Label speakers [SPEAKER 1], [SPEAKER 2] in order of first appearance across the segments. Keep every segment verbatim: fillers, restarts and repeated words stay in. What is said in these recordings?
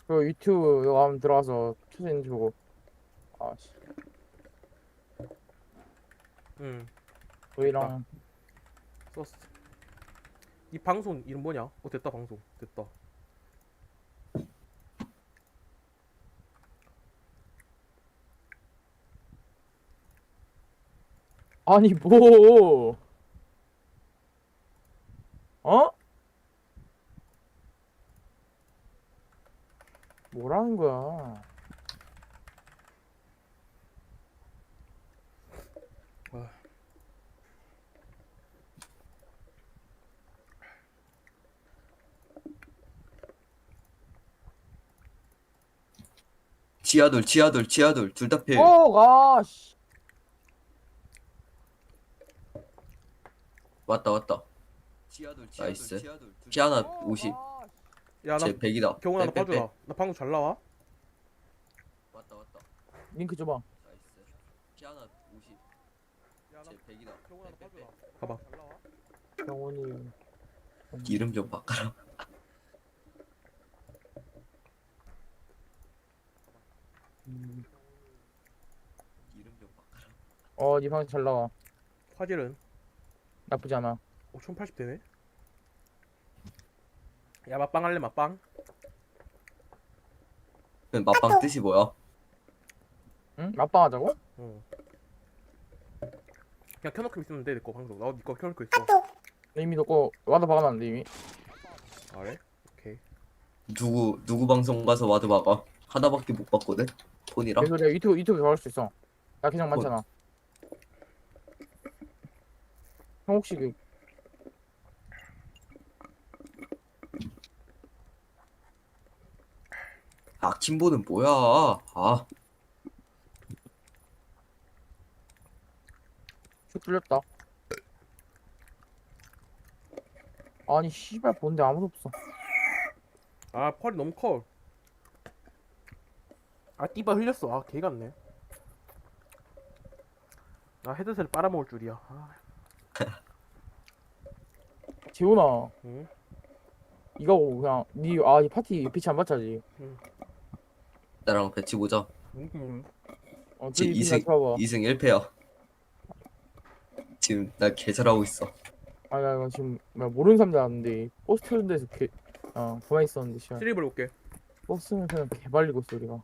[SPEAKER 1] 그 유튜브 이거 한번 들어가서 초대인 주고. 아씨.
[SPEAKER 2] 응.
[SPEAKER 1] 저희랑
[SPEAKER 2] 썼어. 이 방송 이름 뭐냐? 어 됐다 방송 됐다.
[SPEAKER 1] 아니 뭐 어? 뭐라는 거야?
[SPEAKER 2] 아,
[SPEAKER 3] 지하돌 지하돌 지하돌 둘 다 필.
[SPEAKER 1] 어, 아, 씨.
[SPEAKER 3] 왔다 왔다. 지하돌 나이스. 피아나 오십.
[SPEAKER 1] 아,
[SPEAKER 2] 야나
[SPEAKER 3] 제 백이다.
[SPEAKER 2] 경훈아 나
[SPEAKER 3] 빼, 빼, 빼.
[SPEAKER 2] 봐주라. 나 방금 잘 나와?
[SPEAKER 3] 왔다 왔다.
[SPEAKER 1] 링크 줘봐.
[SPEAKER 3] 나이스. 피아나 오십.
[SPEAKER 2] 야나
[SPEAKER 3] 제 백이다.
[SPEAKER 2] 경훈아 나
[SPEAKER 3] 빼, 빼, 빼.
[SPEAKER 2] 봐주라. 봐봐. 잘 나와?
[SPEAKER 1] 경훈이.
[SPEAKER 3] 이름 좀 바꿔라.
[SPEAKER 1] 음.
[SPEAKER 3] 이름 좀 바꿔라.
[SPEAKER 1] 어, 니 방송 잘 나와.
[SPEAKER 2] 화질은
[SPEAKER 1] 나쁘지 않아.
[SPEAKER 2] 오 천팔십 되네. 야 맛빵 할래 맛빵?
[SPEAKER 3] 그 맛방 뜻이 뭐야?
[SPEAKER 1] 응? 맞방하자고?
[SPEAKER 2] 응. 그냥 켜놓고 있으면 돼 내 거 방송. 나도 니거 켜놓고 있어.
[SPEAKER 1] 이미 너거 와도 박아놨는데 이미.
[SPEAKER 2] 아, 그래? 오케이.
[SPEAKER 3] 누구 누구 방송 가서 와드 박아? 하나밖에 못 봤거든. 폰이랑.
[SPEAKER 1] 그래서 내가 유튜브 유튜브 가올 수 있어. 나 그냥 많잖아. 형 혹시 그
[SPEAKER 3] 아 킴보는 뭐야? 아
[SPEAKER 1] 슛 뚫렸다. 아니 씨발 본데 아무도 없어.
[SPEAKER 2] 아 펄이 너무 커. 아 띠바 흘렸어. 아 개같네. 나 헤드셋을 빨아먹을 줄이야. 아,
[SPEAKER 1] 재훈아,
[SPEAKER 2] 응?
[SPEAKER 1] 이거 그냥 니아이 파티 빛이 안 맞자지.
[SPEAKER 3] 나랑 배치 보자.
[SPEAKER 2] 응?
[SPEAKER 1] 어,
[SPEAKER 3] 지
[SPEAKER 1] 둘이 빛
[SPEAKER 3] 이승
[SPEAKER 1] 맞춰 봐봐.
[SPEAKER 3] 이승 일 패야. 지금 나 개 잘하고 있어.
[SPEAKER 1] 아니 나 이거 지금 나 모르는 사람들 아는데 버스 타는 데서 개, 어 가만히 있었는데 씨발
[SPEAKER 2] 트리블 올게.
[SPEAKER 1] 버스는 그냥 개발리고 있어 우리가.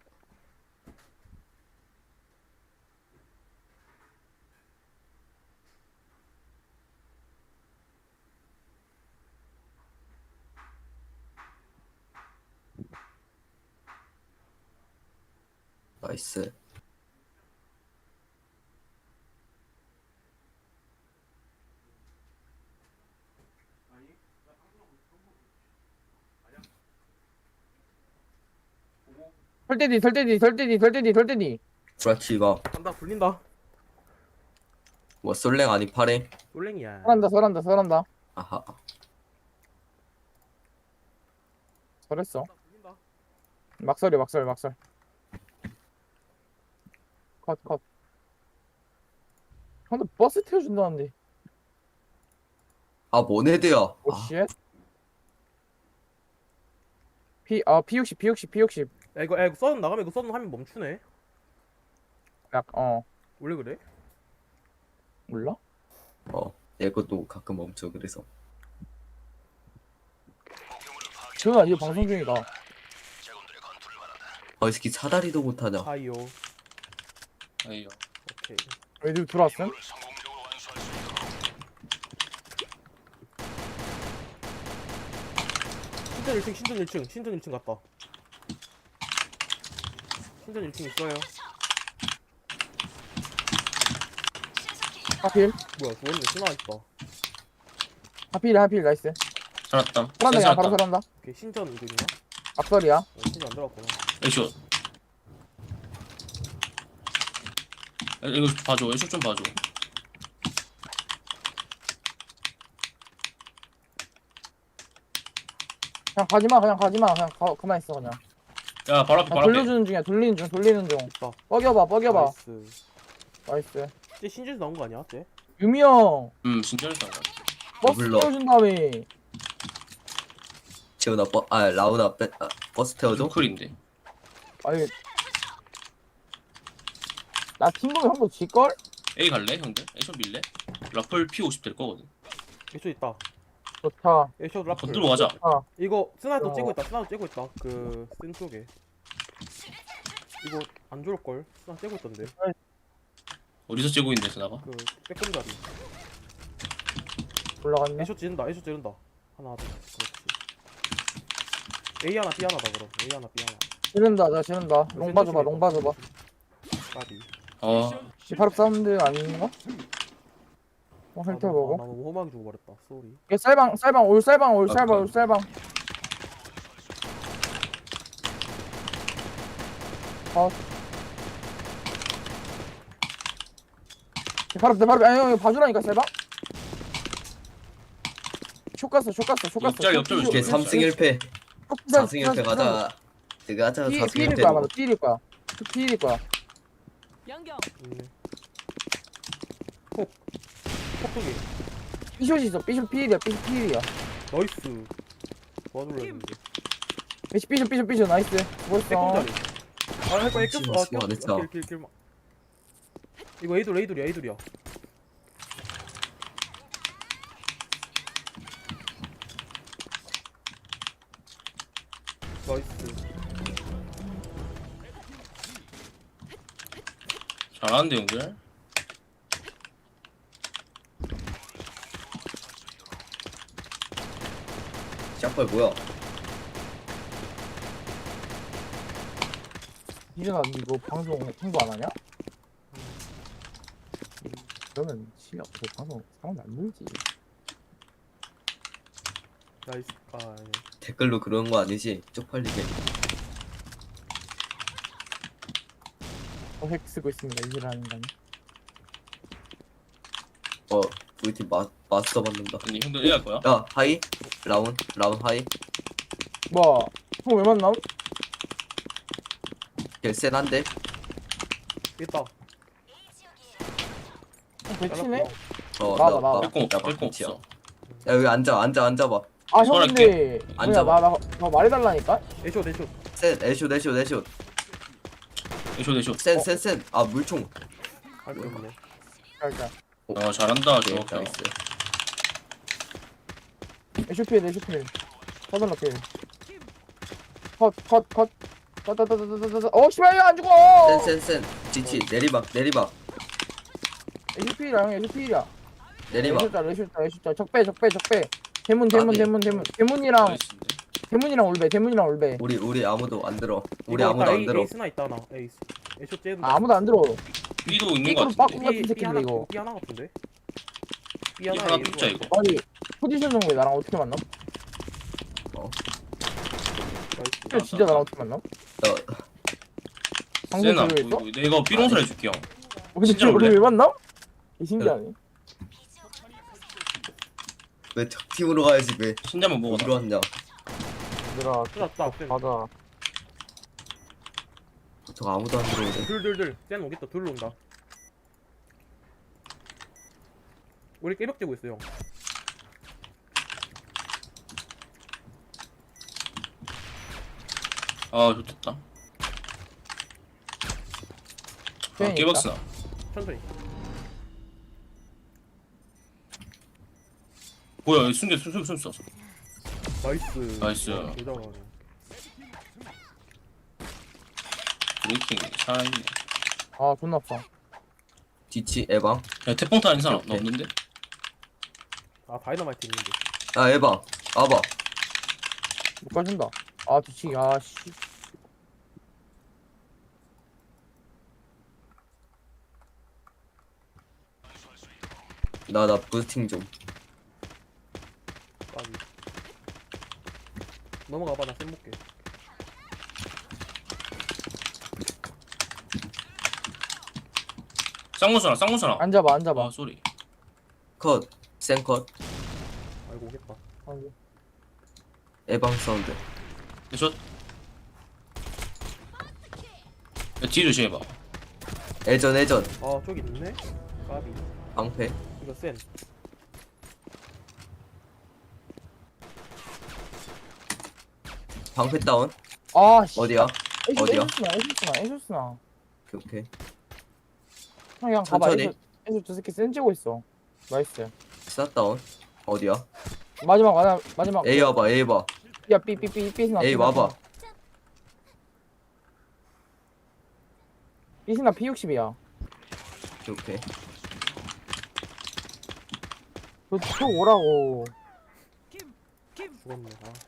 [SPEAKER 3] 나이스.
[SPEAKER 1] 설대디 설대디 설대디 설대디 설대디.
[SPEAKER 3] 브라치바.
[SPEAKER 2] 간다 굴린다.
[SPEAKER 3] 뭐 솔랭 아니 파랭?
[SPEAKER 2] 솔랭이야.
[SPEAKER 1] 설한다 설한다 설한다.
[SPEAKER 3] 아하.
[SPEAKER 1] 설했어.
[SPEAKER 2] 간다 굴린다.
[SPEAKER 1] 막설이 막설 막설. 컷 컷. 형도 버스 태워준다는데.
[SPEAKER 3] 아 모네드야. 아,
[SPEAKER 1] 오쉣. P 아 피 육십 피 육십 피 육십.
[SPEAKER 2] 야 이거 야 이거 썬 나가면 이거 썬 화면 멈추네.
[SPEAKER 1] 약어
[SPEAKER 2] 원래 그래?
[SPEAKER 1] 몰라?
[SPEAKER 3] 어, 내 것도 가끔 멈춰 그래서.
[SPEAKER 1] 재훈아 이거 방송 중이다.
[SPEAKER 3] 아, 이 새끼 사다리도 못하냐.
[SPEAKER 2] 하이요.
[SPEAKER 4] 아이요.
[SPEAKER 2] 오케이.
[SPEAKER 1] 애들 들어왔음?
[SPEAKER 2] 신전 일 층 신전 일 층 신전 일 층 갔다. 신전 일 층 있어요.
[SPEAKER 1] 하필
[SPEAKER 2] 뭐야 주원이 신화 있다.
[SPEAKER 1] 하필 하필 나이스.
[SPEAKER 4] 살았다.
[SPEAKER 1] 설한다 그냥 바로
[SPEAKER 4] 살았다.
[SPEAKER 1] 설한다.
[SPEAKER 2] 오케이 신전 이거 있나?
[SPEAKER 1] 앞설이야.
[SPEAKER 2] 어, 신전 안 들어갔구나.
[SPEAKER 4] 에이쇼. 에, 이거 봐줘. 에이쇼 좀 봐줘.
[SPEAKER 1] 그냥 가지마 그냥 가지마 그냥 가, 가만히 있어 그냥.
[SPEAKER 4] 야, 바로 앞에,
[SPEAKER 1] 그냥
[SPEAKER 4] 바로 앞에.
[SPEAKER 1] 돌려주는 중이야 돌리는 중 돌리는 중.
[SPEAKER 2] 있다.
[SPEAKER 1] 뻐겨봐 뻐겨봐.
[SPEAKER 2] 나이스.
[SPEAKER 1] 나이스.
[SPEAKER 2] 쟤 신전에서 나온 거 아니야? 쟤?
[SPEAKER 1] 유미 형
[SPEAKER 4] 음, 진짜로 잘
[SPEAKER 1] 버스
[SPEAKER 3] 더블러.
[SPEAKER 1] 태워준 다음에
[SPEAKER 3] 지훈아 버, 아 라운아 빼, 아, 버스 태워줘.
[SPEAKER 4] 노클인데.
[SPEAKER 1] 아니 나 팀복이 한번 질걸?
[SPEAKER 4] A 갈래 형들? A쇼 밀래? 라플 피 오십 될 거거든.
[SPEAKER 2] 에쇼 있다.
[SPEAKER 1] 좋다.
[SPEAKER 2] 에쇼 라플.
[SPEAKER 4] 건들고 가자.
[SPEAKER 1] 아
[SPEAKER 2] 이거 스나이도
[SPEAKER 1] 어.
[SPEAKER 2] 찌고 있다. 스나이도 찌고 있다. 그센 쪽에. 이거 안 좋을 걸. 스나 찌고 있던데.
[SPEAKER 4] 어디서 째고 있는데 스나가?
[SPEAKER 2] 그 빼꼼자리.
[SPEAKER 1] 올라갔네.
[SPEAKER 2] 에쇼 찌른다. 에쇼 찌른다. 하나 둘. 그렇지. A 하나 B 하나다 그럼. A 하나 B 하나.
[SPEAKER 1] 지른다 나 지른다. 롱 봐줘봐 롱 봐줘봐.
[SPEAKER 2] 까비.
[SPEAKER 4] 어
[SPEAKER 1] 시파럽 사운드 아닌가? 어
[SPEAKER 2] 아,
[SPEAKER 1] 헬터
[SPEAKER 2] 나-
[SPEAKER 1] 보고.
[SPEAKER 2] 나 너무 험하게 죽어버렸다. 쏘리.
[SPEAKER 1] 얘 쌀방 쌀방 올 쌀방 올
[SPEAKER 3] 아,
[SPEAKER 1] 쌀방
[SPEAKER 3] 그-
[SPEAKER 1] 올 쌀방. 어. 바로 내 바로 아니 형 봐주라니까 쌀방. 쇼 갔어 쇼 갔어 쇼 갔어.
[SPEAKER 4] 옆자리, 옆자리
[SPEAKER 3] 이렇게
[SPEAKER 4] 쇼.
[SPEAKER 3] 삼 승 일 패 사 승 일 패 가자. 내가 하자
[SPEAKER 1] 피
[SPEAKER 3] 사 승 일
[SPEAKER 1] 피일
[SPEAKER 3] 패.
[SPEAKER 1] 거야 맞아 피일 거야. 피일 거야.
[SPEAKER 5] 양경
[SPEAKER 2] 있네. 폭. 폭쪽이.
[SPEAKER 1] 삐숏 있어 삐숏 피일이야 삐숏 피일이야.
[SPEAKER 2] 나이스. 도와줄려 했는데.
[SPEAKER 1] 삐숏 삐숏 삐숏 삐숏 나이스. 멋있어.
[SPEAKER 2] 빼꼼자리. 아 할거
[SPEAKER 3] 미친,
[SPEAKER 2] 애꼈어. 아
[SPEAKER 3] 미친, 안 했어.
[SPEAKER 2] 꼈어. 킬킬킬. 이거 에이돌 에이돌이야 에이돌이야. 나이스.
[SPEAKER 4] 잘하는데 형들.
[SPEAKER 3] 샷발 뭐야?
[SPEAKER 1] 이준아 니 이거 방송 홍보 안 하냐? 그러면 실력 그 방송 사람이 안 늘지.
[SPEAKER 2] 나이스. 아 예.
[SPEAKER 3] 댓글로 그런 거 아니지? 쪽팔리게.
[SPEAKER 1] 어, 핵 쓰고 있습니다 이준아는 거.
[SPEAKER 3] 어 우리 팀 마, 마스터 받는다.
[SPEAKER 4] 아니 형들 A 할 거야?
[SPEAKER 3] 야 하이 라운 라운 하이.
[SPEAKER 1] 뭐야? 형왜 만남?
[SPEAKER 3] 개센한데.
[SPEAKER 2] 있다.
[SPEAKER 1] 형 배치네?
[SPEAKER 3] 어
[SPEAKER 1] 나와봐, 나와봐.
[SPEAKER 4] 뺄공 없어.
[SPEAKER 3] 나
[SPEAKER 4] 뺄공
[SPEAKER 3] 박치야.
[SPEAKER 4] 없어.
[SPEAKER 3] 야 여기 앉아 앉아 앉아봐.
[SPEAKER 1] 아 형
[SPEAKER 4] 설할게.
[SPEAKER 1] 근데 뭐야
[SPEAKER 3] 앉아봐.
[SPEAKER 1] 나나 나 말해달라니까?
[SPEAKER 2] 에쇼 에쇼.
[SPEAKER 3] 센 애쇼 애쇼 애쇼
[SPEAKER 4] 애쇼 애쇼.
[SPEAKER 3] 센 센 센. 아 물총.
[SPEAKER 2] 할거 없네.
[SPEAKER 1] 일단
[SPEAKER 4] 어 잘한다 저
[SPEAKER 3] 네,
[SPEAKER 4] 형.
[SPEAKER 3] 나이스.
[SPEAKER 1] 에쇼필 에쇼필 서둘러 필 컷컷컷 컷컷컷컷컷 어 씨발 안 죽어.
[SPEAKER 3] 센센센 지치 내리막 내리막
[SPEAKER 1] 에쇼필이야 형 에쇼필이야.
[SPEAKER 3] 내리막.
[SPEAKER 1] 에쇼다 에쇼다 에쇼다 적배 적배 적배 대문 대문
[SPEAKER 3] 아니.
[SPEAKER 1] 대문 대문 대문이랑
[SPEAKER 4] 나이스인데.
[SPEAKER 1] 대문이랑 올배 대문이랑 올배.
[SPEAKER 3] 우리 우리 아무도 안 들어. 우리
[SPEAKER 2] 이거
[SPEAKER 3] 아무도
[SPEAKER 2] 있다,
[SPEAKER 3] 안
[SPEAKER 2] 에이,
[SPEAKER 3] 들어.
[SPEAKER 2] 에이스나 있다 나. 에이스. 에쇼 째는다.
[SPEAKER 1] 아, 아무도 안 들어.
[SPEAKER 4] B도 있는 거
[SPEAKER 1] 삐꾸로
[SPEAKER 4] 같은데.
[SPEAKER 1] 빠꾸 같은
[SPEAKER 2] B, B
[SPEAKER 1] 새끼인데
[SPEAKER 2] 하나
[SPEAKER 1] 이거.
[SPEAKER 2] B 하나 같은데. B
[SPEAKER 4] B
[SPEAKER 2] 하나
[SPEAKER 4] 하나
[SPEAKER 2] A
[SPEAKER 4] 뚫자
[SPEAKER 2] 이거.
[SPEAKER 4] 이거.
[SPEAKER 1] 아니 포지션 정도에 나랑 어떻게 만나?
[SPEAKER 2] 나이스.
[SPEAKER 1] 진짜 나랑 어떻게 만나?
[SPEAKER 3] 나
[SPEAKER 1] 방송
[SPEAKER 4] 세나
[SPEAKER 1] 들고 있어?
[SPEAKER 4] 뭐, 이거 내가 삐롱설 해줄게 형.
[SPEAKER 1] 어, 근데
[SPEAKER 4] 진짜
[SPEAKER 1] 우리
[SPEAKER 4] 원래?
[SPEAKER 1] 왜 만나? 이 신기하네.
[SPEAKER 3] 왜 적팀으로 가야지 왜
[SPEAKER 4] 신자만 먹어.
[SPEAKER 3] 어디로 왔냐?
[SPEAKER 1] 얘들아
[SPEAKER 2] 뜯었다.
[SPEAKER 1] 가자.
[SPEAKER 3] 저 아무도 안 들어오네.
[SPEAKER 2] 둘둘둘. 쟤는 오겠다. 둘로 온다. 우리 깨벽 째고 있어 형.
[SPEAKER 4] 아 좋겠다. 아
[SPEAKER 1] 팬이
[SPEAKER 4] 깨박스나.
[SPEAKER 2] 천천히.
[SPEAKER 4] 뭐야 순간 순순 순 쐈어.
[SPEAKER 2] 나이스.
[SPEAKER 4] 나이스.
[SPEAKER 2] 와, 개 잘하네.
[SPEAKER 4] 브레이킹 살아있네.
[SPEAKER 1] 아 존나 아파.
[SPEAKER 3] 지치 에방.
[SPEAKER 4] 야 태풍타 아닌 사람 나
[SPEAKER 3] 오케이.
[SPEAKER 4] 없는데?
[SPEAKER 2] 아 다이너마이트 있는데.
[SPEAKER 3] 야 에방. 와봐.
[SPEAKER 1] 못 가준다. 아 뒤치기 아 씨.
[SPEAKER 3] 나 나 부스팅 좀.
[SPEAKER 2] 까비. 넘어가봐 나 쌤 볼게.
[SPEAKER 4] 쌍문선아 쌍문선아.
[SPEAKER 1] 앉아봐 앉아봐.
[SPEAKER 4] 아 쏘리.
[SPEAKER 3] 컷. 센 컷.
[SPEAKER 2] 아이고 오겠다.
[SPEAKER 1] 앉아.
[SPEAKER 3] 에방 사운드.
[SPEAKER 4] 저. 야 뒤 조심해봐.
[SPEAKER 3] 애전 애전.
[SPEAKER 2] 아 저기 있네. 까비.
[SPEAKER 3] 방패.
[SPEAKER 2] 이거 센.
[SPEAKER 3] 방패 다운.
[SPEAKER 1] 아씨
[SPEAKER 3] 어디야? 어디야?
[SPEAKER 1] 에쇼스나 에쇼스나 에쇼스나
[SPEAKER 3] 오케이 오케이.
[SPEAKER 1] 그냥 가봐.
[SPEAKER 3] 천천히.
[SPEAKER 1] 에쇼 에쇼 저 새끼 센지고 있어. 나이스.
[SPEAKER 3] 스나 다운. 어디야?
[SPEAKER 1] 마지막 마지막 마지막
[SPEAKER 3] A 와봐 A 봐.
[SPEAKER 1] 야 삐삐삐 삐스나
[SPEAKER 3] A 와봐.
[SPEAKER 1] 삐스나 피 육십이야.
[SPEAKER 3] 오케이 오케이.
[SPEAKER 1] 저저 오라고.
[SPEAKER 2] 죽었네. 아,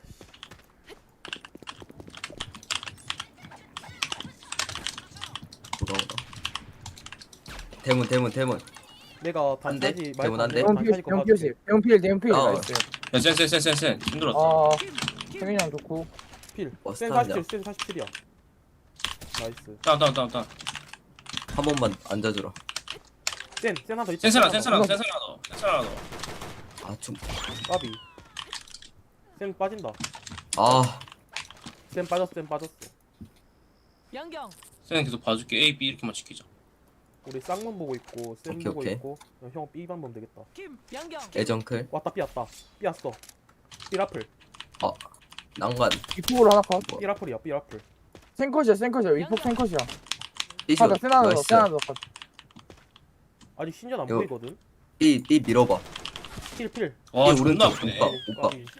[SPEAKER 3] 돌아오라. 대문 대문 대문.
[SPEAKER 2] 내가
[SPEAKER 3] 안 돼?
[SPEAKER 2] 반까지
[SPEAKER 3] 대문 안 돼?
[SPEAKER 1] 대형 필
[SPEAKER 2] 반까지 거
[SPEAKER 1] 대형
[SPEAKER 2] 봐줄게.
[SPEAKER 1] 필 대형 필 대형 필
[SPEAKER 3] 아.
[SPEAKER 1] 나이스.
[SPEAKER 4] 센센센센센 힘들었다.
[SPEAKER 1] 아 태민이랑 좋고.
[SPEAKER 2] 필.
[SPEAKER 3] 뭐
[SPEAKER 2] 센
[SPEAKER 3] 스타일이야?
[SPEAKER 2] 사십칠, 센 사십칠이야. 나이스.
[SPEAKER 4] 다운 다운 다운 다운.
[SPEAKER 3] 한 번만 앉아주라.
[SPEAKER 2] 센, 센 하나 더 있지.
[SPEAKER 4] 센스나
[SPEAKER 2] 센 하나
[SPEAKER 4] 센스나
[SPEAKER 2] 더.
[SPEAKER 4] 센스나 더 센스나 더.
[SPEAKER 3] 아좀
[SPEAKER 2] 까비. 센 빠진다.
[SPEAKER 3] 아.
[SPEAKER 2] 센 빠졌어, 센 빠졌어.
[SPEAKER 5] 양경
[SPEAKER 4] 센 계속 봐줄게. A, B 이렇게만 지키자.
[SPEAKER 2] 우리 쌍문 보고 있고, 센
[SPEAKER 3] 오케이,
[SPEAKER 2] 보고
[SPEAKER 3] 오케이.
[SPEAKER 2] 있고. 야, 형 B 반 보면 되겠다.
[SPEAKER 5] 김 양경
[SPEAKER 3] 애정클.
[SPEAKER 2] 왔다, B 왔다. B 왔어. B 라플.
[SPEAKER 3] 난간.
[SPEAKER 1] 이폭으로 하나 컷.
[SPEAKER 2] B 라플이야, B 라플.
[SPEAKER 1] 생컷이야 생컷이야. 이폭 생컷이야.
[SPEAKER 3] 삐쇼.
[SPEAKER 1] 하나 센 하나 더
[SPEAKER 3] 나이스.
[SPEAKER 1] 센 하나 더 컷.
[SPEAKER 2] 아직 신전 안
[SPEAKER 3] 이거-
[SPEAKER 2] 보이거든.
[SPEAKER 3] B B 밀어봐.
[SPEAKER 2] 필, 필.
[SPEAKER 4] 와
[SPEAKER 3] B
[SPEAKER 4] 존나
[SPEAKER 3] 오른쪽
[SPEAKER 4] 아프네.
[SPEAKER 3] 오빠 오빠.
[SPEAKER 2] 까비.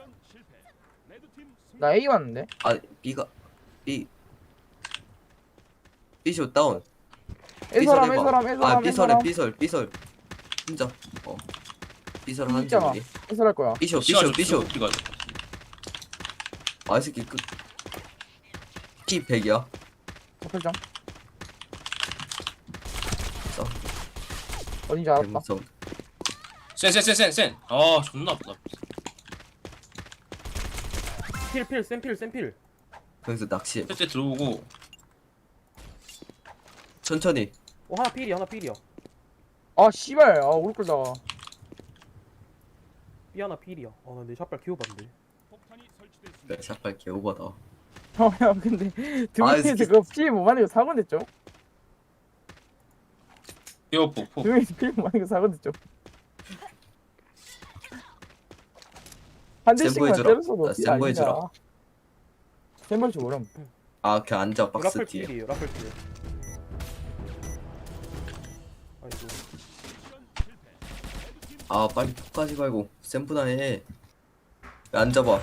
[SPEAKER 1] 나 A 왔는데.
[SPEAKER 3] 아 B가 B. B쇼 다운.
[SPEAKER 1] 에서람
[SPEAKER 3] 해봐.
[SPEAKER 1] 에서람
[SPEAKER 3] 아
[SPEAKER 1] 에서람
[SPEAKER 3] B설에
[SPEAKER 1] 에서람.
[SPEAKER 3] B설 B설. 혼자. 어. B설 하는
[SPEAKER 1] 있잖아.
[SPEAKER 3] 중이.
[SPEAKER 1] 에서랄 거야.
[SPEAKER 3] B쇼
[SPEAKER 4] 시간
[SPEAKER 3] B쇼 B쇼.
[SPEAKER 4] B가
[SPEAKER 3] 아이 새끼 끝. P 백이야.
[SPEAKER 1] 설정.
[SPEAKER 3] 써.
[SPEAKER 1] 어딘지 알았다.
[SPEAKER 3] 대문성.
[SPEAKER 4] 센센센센센. 아 존나 아프다.
[SPEAKER 2] 필, 필, 센 필, 센 필.
[SPEAKER 3] 여기서 낚시.
[SPEAKER 4] 그때 들어오고
[SPEAKER 3] 천천히.
[SPEAKER 2] 어, 하나 필이야, 하나 필이야.
[SPEAKER 1] 아 씨발. 아 오를 끌다가.
[SPEAKER 2] B 하나 필이야. 아, 나내 샷발 키워봤는데.
[SPEAKER 3] 네, 샷발 개오버다.
[SPEAKER 1] 어야 근데 두
[SPEAKER 3] 아,
[SPEAKER 1] 명이서
[SPEAKER 3] 이게-
[SPEAKER 1] 그거 피 못 만들고 사고 냈죠?
[SPEAKER 4] 피어폭 폭.
[SPEAKER 1] 두 명이서 피 못 만들고 사고 냈죠? 한
[SPEAKER 3] 센
[SPEAKER 1] 대씩만
[SPEAKER 3] 보여주라.
[SPEAKER 1] 때렸어도
[SPEAKER 3] 나
[SPEAKER 1] 피
[SPEAKER 3] 센
[SPEAKER 1] 아니잖아.
[SPEAKER 3] 보여주라.
[SPEAKER 1] 센 볼줄 모름.
[SPEAKER 3] 아, 걔 앉아 박스
[SPEAKER 2] 라플
[SPEAKER 3] 뒤에.
[SPEAKER 2] 필이에요, 라플 필. 아이고.
[SPEAKER 3] 아, 빨리 폭까지 말고 샘프나 해. 야, 앉아봐.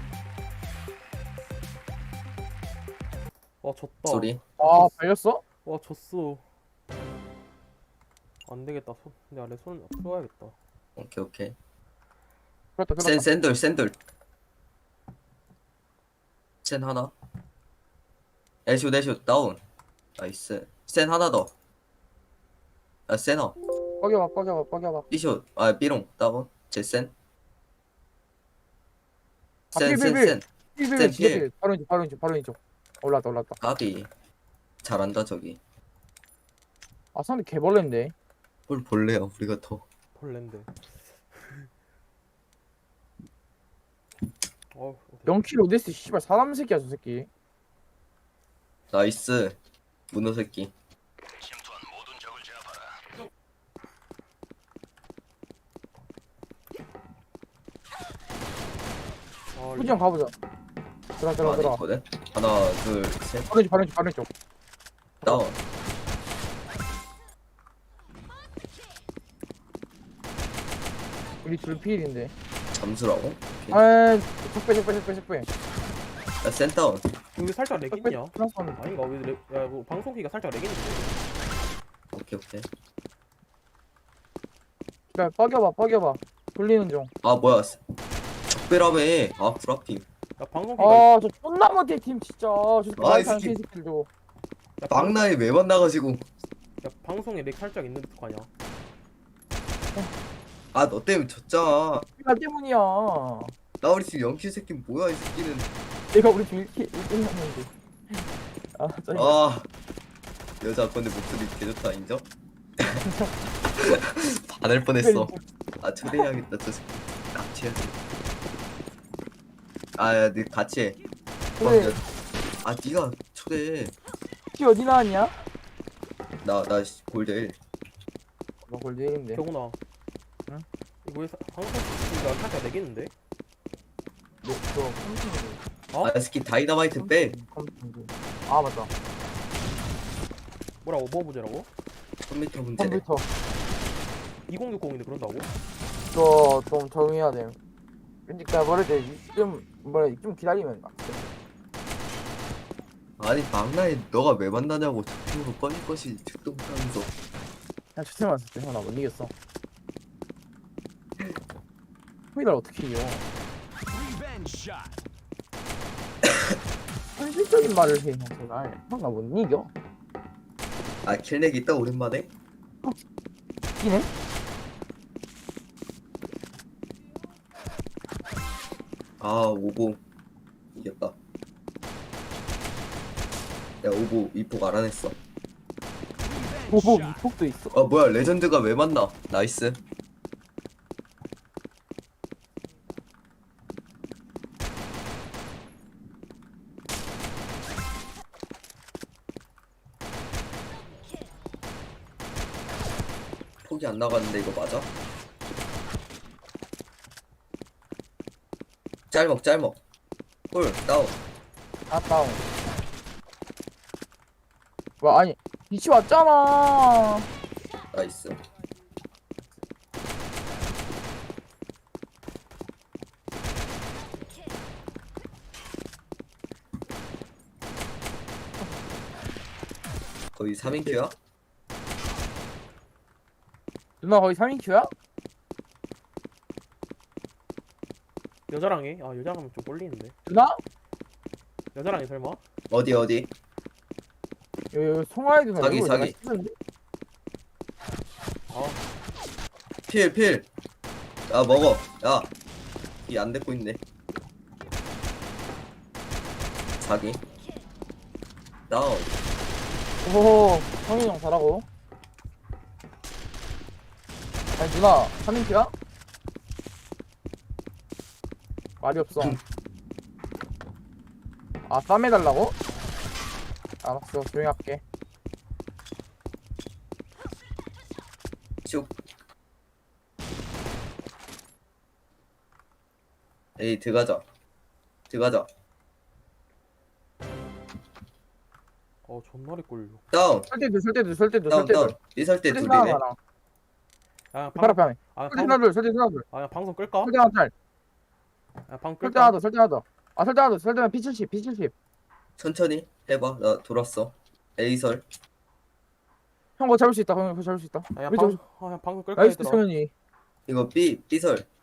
[SPEAKER 2] 와, 졌다.
[SPEAKER 3] 소리.
[SPEAKER 1] 아 발렸어?
[SPEAKER 2] 와, 졌어. 안 되겠다. 손, 내 아래 손 풀어야겠다.
[SPEAKER 3] 오케이 오케이.
[SPEAKER 1] 그렇다
[SPEAKER 3] 센
[SPEAKER 1] 그렇다.
[SPEAKER 3] 샌들 샌들. 센 하나. 애쇼 애쇼 다운. 나이스. 센 하나 더. 아, 센어.
[SPEAKER 1] 뻐겨봐 뻐겨봐 뻐겨봐.
[SPEAKER 3] B쇼. 아, B롱 다운. 제 센.
[SPEAKER 1] 아,
[SPEAKER 3] 센,
[SPEAKER 1] 필,
[SPEAKER 3] 센,
[SPEAKER 1] 필,
[SPEAKER 3] 센.
[SPEAKER 1] 필필
[SPEAKER 3] 센
[SPEAKER 1] 진짜
[SPEAKER 3] 필.
[SPEAKER 1] 필. 바로 이쪽 바로 이쪽 바로 이쪽. 올랐다 올랐다.
[SPEAKER 3] 가비. 잘한다, 저기.
[SPEAKER 1] 아 상대 개벌레인데.
[SPEAKER 3] 뭘 볼래요, 우리가 더.
[SPEAKER 2] 벌레인데. 어,
[SPEAKER 1] 영 킬 오데스 씨발 사람 새끼야 저 새끼.
[SPEAKER 3] 나이스. 문어 새끼.
[SPEAKER 2] 아,
[SPEAKER 1] 후지 형 가보자. 들어 들어
[SPEAKER 3] 안에
[SPEAKER 1] 들어.
[SPEAKER 3] 있거든. 하나, 둘, 셋.
[SPEAKER 1] 바로 이쪽 바로 이쪽 바로 이쪽.
[SPEAKER 3] 다운.
[SPEAKER 1] 우리 둘 필인데.
[SPEAKER 3] 잠수라고? 오케이.
[SPEAKER 1] 아 적배 적배 적배 적배.
[SPEAKER 3] 야, 센 다운.
[SPEAKER 2] 여기 살짝 렉
[SPEAKER 1] 적배
[SPEAKER 2] 있냐?
[SPEAKER 1] 플러스 원.
[SPEAKER 2] 아닌가? 왜 렉, 야, 뭐 방송기가 살짝 렉 있는데.
[SPEAKER 3] 오케이 오케이.
[SPEAKER 1] 기다려 뻐겨봐 뻐겨봐. 돌리는 중.
[SPEAKER 3] 아, 뭐야. 적배라며. 아, 구라핑.
[SPEAKER 2] 야, 방송기가.
[SPEAKER 1] 아저 존나 못해 팀 진짜. 저
[SPEAKER 3] 아, 이
[SPEAKER 1] 마이크 안
[SPEAKER 3] 새끼.
[SPEAKER 1] 새끼들도.
[SPEAKER 2] 야, 방,
[SPEAKER 3] 막나에 매번 나가지고.
[SPEAKER 2] 야, 방송에 렉 살짝 있는 듯 하냐?
[SPEAKER 3] 아, 너 때문에 졌잖아.
[SPEAKER 1] 나 때문이야.
[SPEAKER 3] 나 우리 지금 영킬 새끼 뭐야, 이 새끼는.
[SPEAKER 1] 내가 우리 둘 킬 일 등 했는데. 아 짜증나.
[SPEAKER 3] 아, 여자 건데 목소리 개좋다, 인정? 반할 뻔했어. 아, 초대해야겠다, 저 새끼. 납치해야지. 아, 야, 니 같이 해.
[SPEAKER 1] 그래.
[SPEAKER 3] 아, 니가 초대해.
[SPEAKER 1] 키 어디 나왔냐?
[SPEAKER 3] 나, 나 골드 일.
[SPEAKER 1] 뭐 골드 일인데.
[SPEAKER 2] 경훈아.
[SPEAKER 1] 응?
[SPEAKER 2] 이거 왜 사- 방송기가 살짝 렉 있는데?
[SPEAKER 1] 너, 너 삼십인데.
[SPEAKER 2] 어?
[SPEAKER 3] 아스키 다이너마이트 빼.
[SPEAKER 1] 아 맞다.
[SPEAKER 2] 뭐라고 뭐 문제라고?
[SPEAKER 3] 컴퓨터 문제네.
[SPEAKER 1] 컴퓨터
[SPEAKER 2] 이공육공인데 그런다고?
[SPEAKER 1] 저 좀 적응해야 돼. 왠지 그냥 뭐랄 때좀 뭐라 좀 기다리면 막.
[SPEAKER 3] 아니 막나에 너가 왜 만나냐고 적극으로 꺼질 것이 죽도 못하면서.
[SPEAKER 1] 그냥 주템 왔을 때 형 나 못 이겼어. 후이달 어떻게 이겨? 현실적인 말을 해, 형 제발. 형 나 못 이겨.
[SPEAKER 3] 아 킬렉 있다 오랜만에.
[SPEAKER 1] 이네?
[SPEAKER 3] 아 오보 이겼다. 야 오보 이폭 알아냈어.
[SPEAKER 1] 보복 이폭도 있어.
[SPEAKER 3] 아 뭐야 레전드가 왜 만나? 나이스. 폭이 안 나갔는데 이거 맞아? 짤먹 짤먹 홀 다운.
[SPEAKER 1] 아 다운. 와 아니 빛이 왔잖아.
[SPEAKER 3] 나이스. 거의 삼 인큐야?
[SPEAKER 1] 누나 거의 삼 인큐야?
[SPEAKER 2] 여자랑 해? 아 여자랑 하면 좀 꼴리는데.
[SPEAKER 1] 누나?
[SPEAKER 2] 여자랑 해 설마?
[SPEAKER 3] 어디 어디?
[SPEAKER 1] 여기, 여기 송하이 누나
[SPEAKER 3] 사기,
[SPEAKER 1] 이거
[SPEAKER 3] 사기.
[SPEAKER 1] 내가 찍었는데?
[SPEAKER 2] 아
[SPEAKER 3] 필 필. 야 먹어. 야이 안 됐고 있네. 사기. 다운.
[SPEAKER 1] 오호 성인이 형 잘하고. 아니 누나 삼 인큐야? 말이 없어. 아 쌈 해달라고? 알았어 조용히 할게.
[SPEAKER 3] 슉. 에이 들어가자. 들어가자.
[SPEAKER 2] 어 존나리 꼴려.
[SPEAKER 3] 다운.
[SPEAKER 1] 설대들 설대들 설대들
[SPEAKER 3] 다운
[SPEAKER 1] 설대들.
[SPEAKER 3] 다운. 이설 때
[SPEAKER 1] 설대
[SPEAKER 3] 둘이네.
[SPEAKER 1] 하나 많아.
[SPEAKER 2] 아
[SPEAKER 1] 팔 앞에
[SPEAKER 2] 방,
[SPEAKER 1] 하네.
[SPEAKER 2] 아
[SPEAKER 1] 설대
[SPEAKER 2] 방,
[SPEAKER 1] 하나 둘 설대 하나 둘.
[SPEAKER 2] 아 방송 끌까?
[SPEAKER 1] 설대 하나 짤.
[SPEAKER 2] 아 방
[SPEAKER 1] 설대 하나
[SPEAKER 2] 끌까?
[SPEAKER 1] 더 설대 하나 더. 아 설대 하나 더 설대면 피 칠십 피 칠십.
[SPEAKER 3] 천천히 해봐. 나 돌았어. 에이설.
[SPEAKER 1] 형 그거 잡을 수 있다. 형 그거 잡을 수 있다.
[SPEAKER 2] 아야
[SPEAKER 1] 우리
[SPEAKER 2] 방,
[SPEAKER 1] 저-
[SPEAKER 2] 아 방송 끌까
[SPEAKER 1] 나이스
[SPEAKER 2] 얘들아?
[SPEAKER 1] 성현이.
[SPEAKER 3] 이거 B B설.